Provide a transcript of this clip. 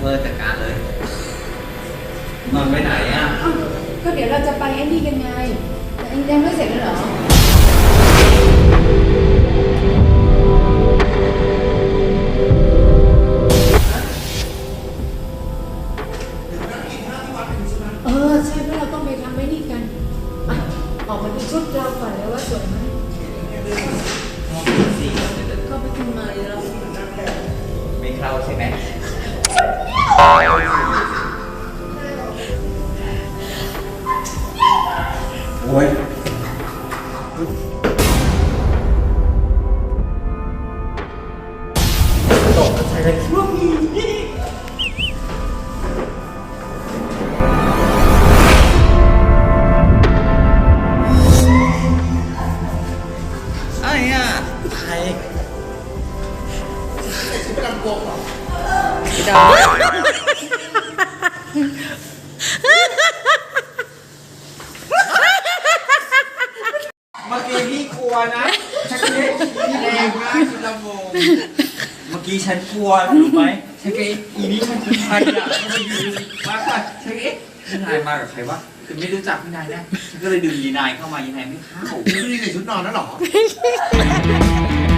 อจัดการเลยนอนไปไหนอ่ะก็เดี๋ยวเราจะไปไอ้นี่กันไงแต่ยังไม่เสร็จเลยเหรอใช่เพราะเราต้องไปทำไอ้นี่กันออกมาดูชุดเราก่อนเลยว่าสวยไหมเข้าไปทำไมเราไม่เข้าใช่ไหมโอ้ยตกใจเลยคิดว่ามีอะไรอ่ะใครไม่ลำโพงหรอไม่ได้เมื่อกี้พี่กลัวนะชักเล็กพี่แรงมากคุณลำโพงเมื่อกี้ฉันกลัวรู้ไหมชักเล็กอีนี่มันคือใครอ่ะมันมาอยู่มากกว่าชักเล็กพี่นายมากับใครวะคือไม่รู้จักพี่นายนะฉันก็เลยดึงยีนายเข้ามายีนายไม่เข้าพี่ใส่ชุดนอนแล้วหรอ